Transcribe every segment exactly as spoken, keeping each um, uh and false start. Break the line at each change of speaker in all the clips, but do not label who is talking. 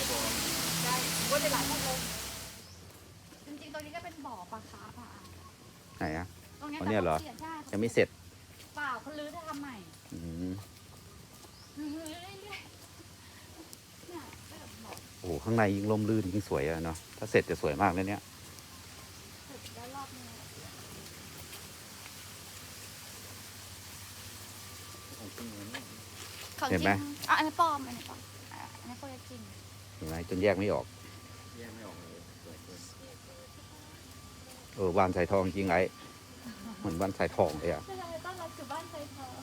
ได้วนไปหลายชั่วโมงจริงๆตรงนี้ก็เป็นบ่อปลาคาร์ฟอ่ะ
ไหนอะ
ตรงนี้
อ๋อเนี่ยเหรอ
ใช่
ยังไม่เสร็จ
เปล่าเขาลื้อจะทำใหม่
อืม
ลื้อเรื่อยๆเนี่ยก็แบบบ่อ
โอ้โหข้างในยิ่งร่มรื่นยิ่งสวยอะเนาะถ้าเสร็จจะสวยมากเลยเนี่ย
เสร็จแล้วรอบนี้ของจริงอ่ะอันนี้ปลอมอันนี้ปลอมอ่ะอันนี้โคตรจริง
เห็นไหมจนแยกไม่ออก
แยกไม่ออกเลยสวยเกิน
เออบ้านสายทองจริงไอ้เหมือนบ้านสายทองเลยอะ
ใช่ต้อนรับสู่บ้านไซทอง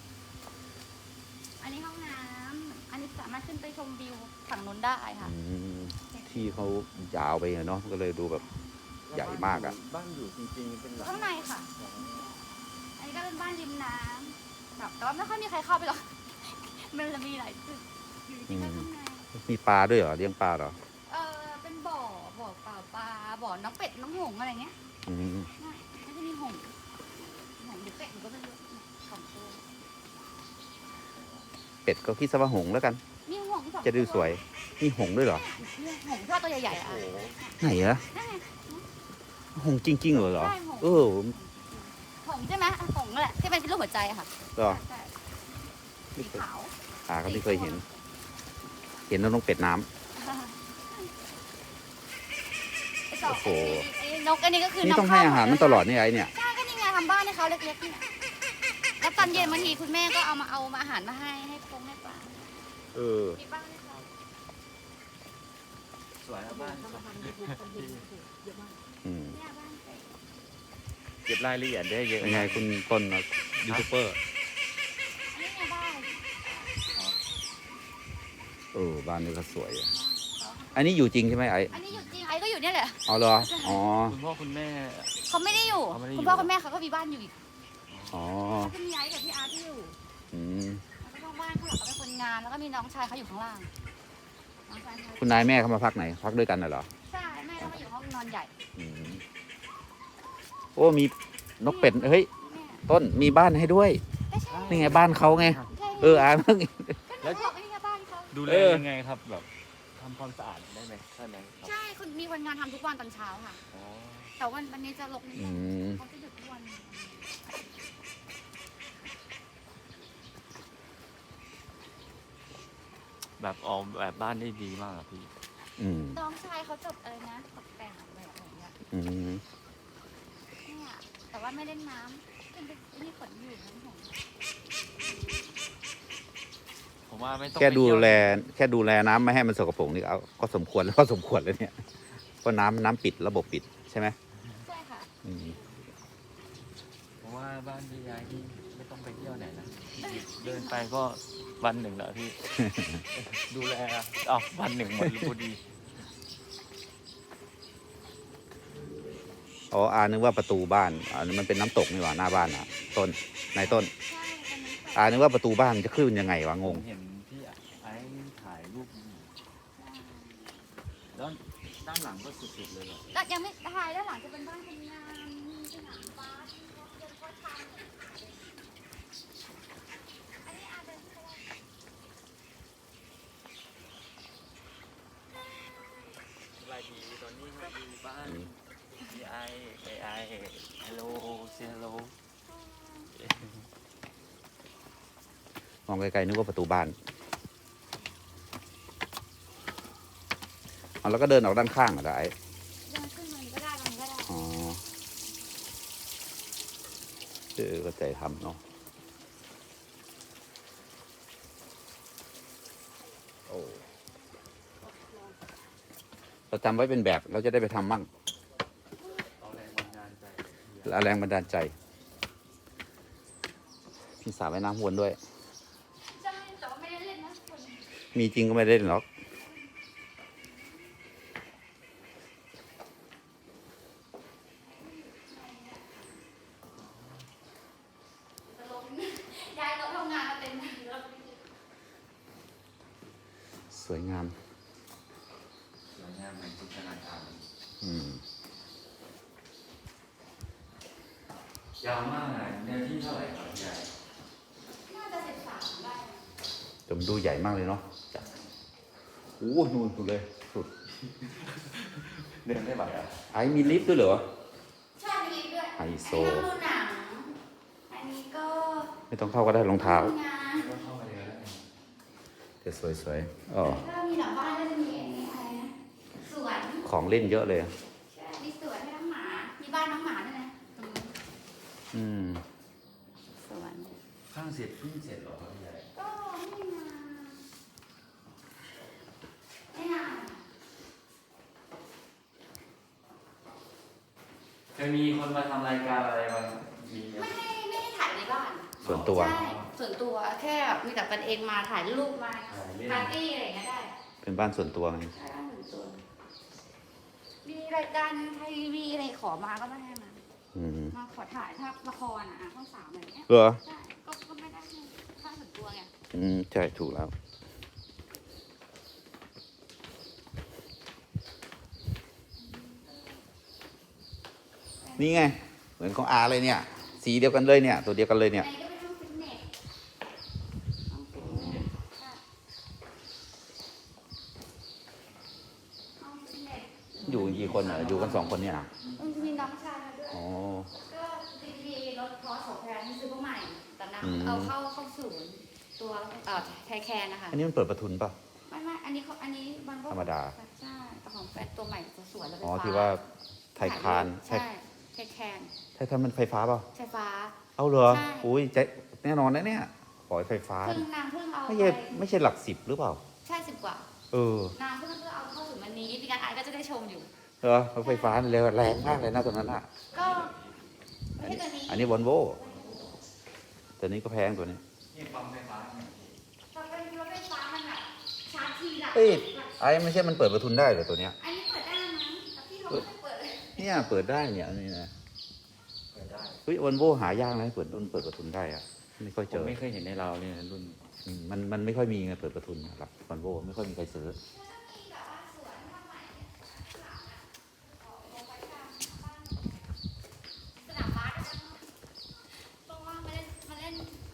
อันนี้ห้องน้ำอันนี้สามารถขึ้นไปชมวิวฝั่งนู้นได้ค่ะ
อืมที่เขายาวไปอะเนาะก็เลยดูแบบใหญ่มากอะ
บ้านอยู่จริงๆเป็นหลัง
ข้างในค่ะ อันนี้ก็เป็นบ้านริมน้ำแบบแต่ว่าไม่ค่อยมีใครเข้าไปหรอก มันจะมีหลายจุดอยู่ที่ข้างใน
มีปลาด้วยเหรอเลี้ยงปลาเหรอ
เออเป็นบ่อ บ่อเปล่าปลา บ่อน้องเป็ด น้องหงส์อะไรเงี้ย
อืม
ไม่ไม่ใช่มีหงส์หงส์หรือเป็ดหนูก็ไม่รู้สองตัว
เป็ดก็คิดซะว่าหงส์แล้วกัน
มีหงส์สองตัว
จะดูสวยมีหงส์ด้วยเหรอ
มีหงส์ที่ว่าตัวใหญ่ๆอ่ะ
ไหนอะ
นั่นไง
หงส์จริงๆเหรอเหรอ
ใช่หงส์
เออ
หงส์ใช่ไหมอ่ะหงส์นั่นแหละที่เป็นรูปหัวใจอะค่ะ
เหรอ
ใช่สีขาว
อ่าก็ไม่เคยเห็น เห็นน้องเป็ดน้ำ
ไอ้สอง
โอ้โห
ไอ้นกอันนี้ก็คือ
นี่
นำ
ต้องให้อาหารมันตลอดนี่ไอ้เนี่ย
ใช่ก็นี่ไงทำบ้านให้เขาเล็กๆนี่แล้วตอนเย็นบางทีคุณแม่ก็เอามาเอามาอาหารมาให้ให้คงให้ปลา
เออ
มีบ้านให้เขา
สวยครับบ้าน
อืม
เนี่ยบ้านเสร็จ
เก็บรายละเอียดได้เยอะ
เป็นไงคุณต้นยูทูบเบอร์
อันนี้ไงบ้าน
เออบ้านนี้ก็สวยอะอันนี้อยู่จริงใช่ไหมไอ้
อันนี้อยู่จริงไอ้ก็อยู่เนี่ยแหละ
เอาเหรออ๋อ
คุณพ่อคุณแม่
เขาไม่ได้อยู่
เขาไม่ได้อยู่
คุณพ่อคุณแม่เขาก็มีบ้านอยู่อีก
อ๋อ
เขาจะมีไอ้กับพี่อาร์ตที่อยู่
อืม
แล้วก็บ้านข้างหลังก็เป็นคนงานแล้วก็มีน้องชายเขาอยู่ข้างล่างน้องชายเขา
คุณนายแม่เขามาพักไหน พักด้วยกันน่ะเหรอ
ใช่แม่เขามาอยู่ห้องนอนใหญ่
อืมโอ้มีนกเป็ดเฮ้ย
แม่
ต้นมีบ้านให้ด้วย
ไม่ใช่
นี่ไงบ้านเขาไง
ใช่
เอออ่านเพิ่ง
ก็หนูบอกว่านี่ไงบ้านเขา
ดูแล
เออ
ยังไงครับแบบทำความสะอาดได้ไหมใช่ไหมครับ
ใช่คุณมีคนงานทำทุกวันตอนเช้าค่ะ
อ๋อ
แต่วันวันนี้จะลกนิด
อื
นึง
ม
เขาจะหยุดทุกวัน
แบบออกแบบบ้านได้ดีมากอะพี่
อืม
น้องชายเขาจบอะไรนะตกแต่งอะไรแบบเนี้ย
อืม
เนี่ยแต่ว่าไม่เล่นน้ำขึ้นไปนี่ฝนอยู่น้ำหง
ผมว่าไม่ต้อง
แค่
ไป
ดู
เที่ยว
แล แค่ดูแลน้ำไม่ให้มันสกปรกนี่เอาก็สมควรแล้วก็สมควรแล้วเนี่ยเพราะน้ำน้ำปิดระบบปิดใช่ไหม
ใช่ค่ะ
อืม
ผมว่าบ้านพี่ยายที่ไม่ต้องไปเที่ยวไหนนะเดินไปก็วันหนึ่งแล้วพี่ ดูแลเอ้าวันหนึ่งหมดพอดี
อ๋ออานึกว่าประตูบ้านอันนี้มันเป็นน้ำตกนี่หว่าหน้าบ้านอ่ะ ต้นนายต้น
ใช่ตอนนี้
อานึกว่าประตูบ้านจะขึ้นยังไงวะง
ผ
ง
มเห็นพี่ไอ้ถ่ายรูปอยู่แล้วด้านหลังก็สุดๆเลยเหรอ
แต่ยังไม่ถ่ายด้านหลังจะเป็นบ้านคนงานมีสนามบาสมีรถยนต์ก็ทำอันนี้อาจจะ
สบายดีตอนนี้มาอยู่บ้านพี่ไอ้ไอ้ไอ้ฮัลโหลเซฮัลโหล
มองไกลๆนึกว่าประตูบ้านเอาแล้วก็เดินออกด้านข้างเหรอไอ้
เดินขึ้นมันก็ได้มันก็ได้
อ๋อเออก็ใจทำเนาะโอ้เราจำไว้เป็นแบบเราจะได้ไปทำมั่ง
เอาแรงบันดาลใจ
และแรงบันดาลใจ พี่สาวว่ายน้ำวนด้วย
ใช่แต่ว่าไม่ได้เล่นนะคน
มีจริงก็ไม่ได้เล่นหรอก
จะลงย้ายรถทำงานมาเต็มรถ
สวยงาม
สวยงามเหมือนจินตนาการ
อืม
ยาวมากเลยเนื้อที่เท่าไหร่ครับใหญ่
น่าจะสิบสามได้
แต่มันดูใหญ่มากเลยเนาะโอ้นู่นสุดเลยสุด
เดินไม่ไหวอ่ะ
ไอ้มีลิฟต์ด้วยเหรอ
ใช่มีด้วย
ไฮโซ
อันนี้ก็ดูหนังอันนี้ก็
ไม่ต้องเข้าก็ได้รองเท้า
ทำงาน
ก็เข้ามาเลยแล้ว
จะสวยๆอ๋อ
แล้วก็มีหลังบ้านก็จะมีอันนี้อะไรนะสวน
ของเล่นเยอะเลย
ใช่มีสวนให้น้องหมา มีบ้านน้องหมาด้วยนะตรงนี้
อืม
สวน
ข้างเสร็จเพิ่งเสร็จเหรอครับพี่ใหญ่
ก็ไม่นานไม่นาน
จะมีคนมาทำรายการอะไรบ้างมีไหม
ไม่ได้ไม่ได้ถ่ายในบ้าน
ส่วนตัว
ใช่ส่วนตัวแค่แบบมีแต่กันเองมาถ่ายรูปมา
ถ่ายเล่น
ปาร์ตี้อะไรอย่างเงี้ยได้
เป็นบ้านส่วนตัวไง
ใช่บ้านส่วนตัว มีรายการไทยทีวีอะไรขอมาก็ไม่ให้มา
อืม
มาขอถ่ายถ้าละครอ่ะช่องสามอะไรอย่างเงี้ย
เหรอ
ใช่ก็ก็ไม่ได้ให้บ้านส่วนตัวไง
อืมใช่ถูกแล้ว นี่ไง เหมือนของอาเลยเนี่ย สีเดียวกันเลยเนี่ย ตัวเดียวกันเลยเนี่ย
อันนี้ก็เป็นห้องฟิตเนสห้องฟิตเนสใช่ห้องฟิตเนส
อยู่กี่คนอ่ะ อยู่กันสองคนเนี่ยนะ
มันจะมีน้องชายมาด้วย
อ๋อ
ก็ดีดีรถพอสโอแพรที่ซื้อมาใหม่ แต่น
อืม
ำเอาเข้าเข้าศูนย์ตัวเอ่อไทยแคนนะคะ
อันนี้มันเปิดประทุนป่ะ
ไม่ไม่อันนี้เขาอันนี้มันก็
ธรรมดา
ใช่แต่ของแฟนตัวใหม่ตัวสวยแล้วไฟ
อ๋อ
ฟ้า
ที่ว่าไทยคาน
ใช่ไทยแคน
ไทยคานมันไฟฟ้าเปล่า
ไฟฟ้า
เอาเหรอ
ใช่
อุ้ยใจแน่นอนนะเนี่ย ขอให้ไฟฟ้า
เพิ่งนางเพิ่งเอา
ไม่
ไป
ใช่ไม่ใช่หลักสิบหรือเปล่า
ใช่สิบกว่า
เออ
นางเพิ่งเพิ่งเอาเข้าสู่มันนี้พี่การไอก็จะได้ชมอยู่
เหรอรถไฟฟ้าเร็วแรงมากเลยนะตัวนั้นอ่ะ
ก็ไม่ใช่ตัวนี้
อันนี้วอลโวตัวนี้ก็แพงตัวนี้
นี่ปั๊มไฟฟ้าเนี่ยพี่
พอเป็นรถไฟฟ้ามันแบบชาร์จทีละ
เอ้ย ไอ้ไม่ใช่มันเปิดประทุนได้เหรอตัวเนี้ย
อันนี้เปิดได้มั้งแต่พี่เขาไม่เคยเปิดเลย
เนี่ยเปิดได้เนี่ยอันนี้นะ
เปิดได้
เฮ้ยวอลโวหายากนะเปิดรุ่นเปิดประทุนได้อะไม่ค่อย
ผ
เจ
ม
อ
ไม่เคยเห็นในเราเนี่ยรุ่น
อืมมันมันไม่ค่อยมีไงเปิดประทุนหลักวอลโวไม่ค่อยมีใครซื้อ
แล้วก็มีแบบว่าสวนทำใหม่เนี่ยข้างหลังอะออกลงไปทางบ้านสนามบาสอะตรงว่างมาเล่นมาเล่น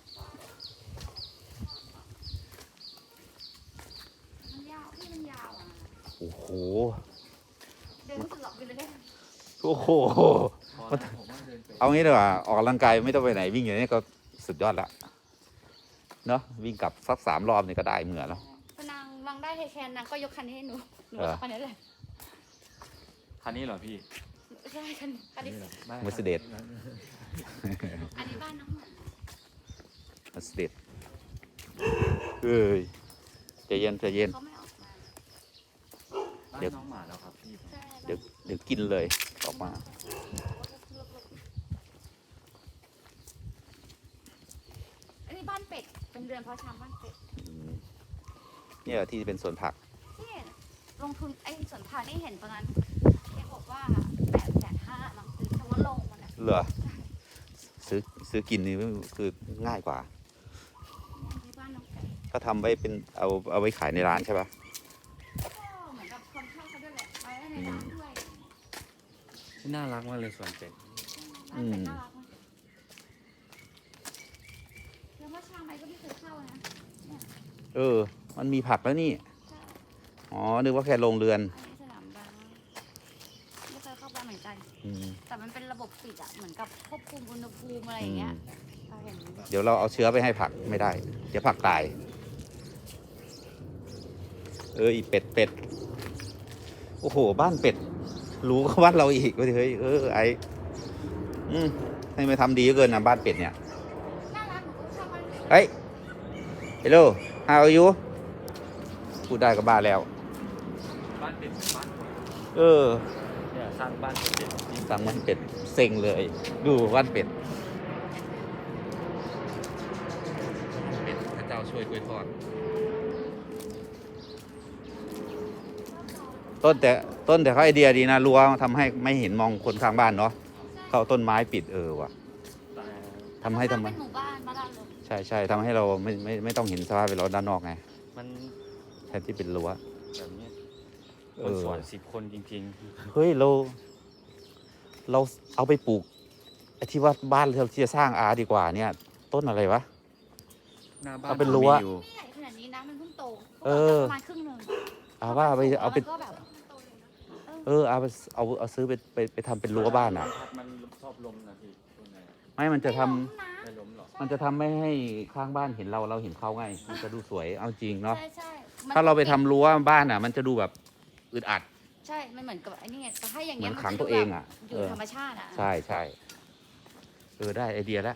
มันยาวพี่มันยาวอ่ะ
โอ้โห
เดินไม่สุดหรอกไปเลยได้
โอ้โห
พอแล้วผมว่าเดินไป
เอางี้ดีกว่าออกกำลังกายไม่ต้องไปไหนวิ่งอย่างนี้ก็สุดยอดละเนาะวิ่งกลับสักสามรอบนี่ก็ได้เหมือนแล้ว
พอนางนางได้เทแคนนางก็ยกคันนี้ให้หนูหนู
เออ
เอาคันนี้เลย
คันนี้เหรอพี่
ใช่คันคันนี้
เหรอไม่
Mercedes
อันนี้บ้านน้องหมา
มาสเตดเอ้ยใจเย็นใจเย็น
เขาไม่ออกมา
บ้าน
เดี๋ยว
น้องหมาแล้วครับพี่
ใช่
เดี๋ยวเดี๋ยวกินเลยออกมา
อันนี้บ้านเป็ดเป็นเรือนเพาะชำบ้านเป็ด
อืมเนี่ยที่เป็นสวนผัก
นี่ลงทุนไอ้สวนผักนี่เห็นตอนนั้นแกบอกว่าแปดแสนห้ามั้งซื้อเฉพาะลงมันอะ
เหรอซื้อซื้อกินนี่คือง่ายกว่า
ที่บ้านน้องเป็ด
ถ้าทำไว้เป็นเอาเอาไว้ขายในร้านใช่ปะ
ก็เหมือนกับคนเช่าเขาด้วยแหละไว้ในร้านด้วย
น่ารักมากเลยสวนเป็ด
บ้านเป็ดน่ารักมากแล้วว่าชางไม้ก็ไม่เคยเข้านะ
เออ มันมีผักแล้วนี่
ใช่
อ๋อนึกว่าแค่โรงเรือน
อันนี้สนามบาสไม่เคยเข้าไปเหมือนกัน
อืม
แต่มันเป็นระบบปิดอะเหมือนกับควบคุมอุณหภูมิอะไรอ
อื
ย่างเงี้
ม
ยเราเห็น
เดี๋ยวเราเอาเชื้อไปให้ผักไม่ได้ เดี๋ยวผักตาย เอออีเป็ดเป็ดโอ้โห บ้านเป็ดรู้ก็บ้านเราอีกเฮ้ยเออไออืมให้มาทำดีเกินนะบ้านเป็ดเนี่ย
น่ารักหนูก็ชอบมัน
เฮ้ย hello how are you พูดได้ก็บ้าแล้ว
บ้านเป็ดเป็นบ้านคน
เออ
เนี่ยสร้างบ้านเป็ดจริง
สั่งบ้านเป็ดเซ็งเลย ดูบ้านเป็ดเป็ดพระเจ้าช่วยกล้วยทอด ต้นแต่ต้นแต่เขาไอเดียดีนะรั้วทำให้ไม่เห็นมองคนข้างบ้านเนาะเขาเอาต้นไม้ปิดเออว่ะ
แต่
ทำให้ทำไม
เป็นหมู่บ้านบ้านเราเลย
ใช่ใช่ทำให้เราไม่ไม่ไม่ต้องเห็นสภาพเป็นเราด้านนอกไง
มัน
แทนที่เป็นรั้ว
แบบเนี้ย
เอ
คน
อ
สวนสิบคนจริง
เฮ้ยเรา เราเอาไปปลูกไอ้ที่ว่าบ้านเราที่จะสร้างอาดีกว่าเนี่ย ต้นอะไรวะ
ๆ หน้าบ้าน
เอาเป็นรั้ว
มีอยู่
ไม่ใหญ่ขนาดนี้นะมันเพิ่งโต
เออ
ประมาณครึ่งหนึ่ง
เอาว่าไปเอาไป
แล้วก็แบบ
เออเอาไปเอาเอาซื้อไปไปไปทำเป็นรั้วบ้านอ่ะ
มันชอบลมนะพี่ตัวไหน
ไม่มันจะทำ
ไม่ล้มนะ
ไม่ล้มหรอก
มันจะทำไม่ให้ข้างบ้านเห็นเราเราเห็นเขาไง มันจะดูสวยเอาจริงเนาะ
ใช่ใช่มัน
ถ้าเราไปทำรั้วบ้านอ่ะ มันจะดูแบบอึดอัด
ใช่ มันเหมือนกับไอ้นี่ไงแต่ถ้าอย่าง
เหมื
เงี้
อย น
มัน
ขัง
จะ
ตัว
ดู
เอง
แบบ
อ่ะ
อยู่
เออ
ธรรมชาติอ่ะ
ใช่ใช่เออได้ไอเดียแล้ว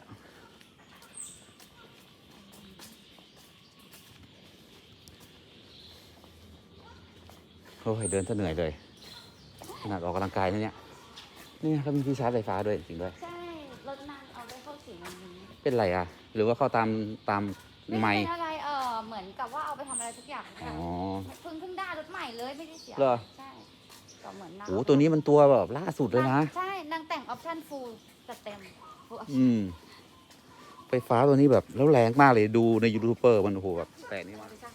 โอ้ยเดินซะเหนื่อยเลยขนาดออกกำลังกายนะเนี่ยนี่เขามีที่ชาร์จไฟฟ้าด้วยจริงด้วย
ใช่รถนางเอาได้เข้าถึงอันนี้
เป็นไรอ่ะ หรือว่าเข้าตามตาม
ไม่
ไม้
เป็นอะไรเออเหมือนกับว่าเอาไปทำอะไรทุกอย่าง
อ๋อ
เพิ่งเพิ่งได้รถใหม่เลยไม่ได้เสีย
เหรอ
ใช่ก็เหมือนนาง
โอ้ตัวนี้มันตัวแบบล่าสุดเลยนะ
ใช่นางแต่งออปชั่นฟูลจัดเต็ม full option
อืมไฟฟ้าตัวนี้แบบแล้วแรงมากเลยดูในยูทูบเบอร์มันโอ้โหแบบแต่นี่มาก
ไม่ใช่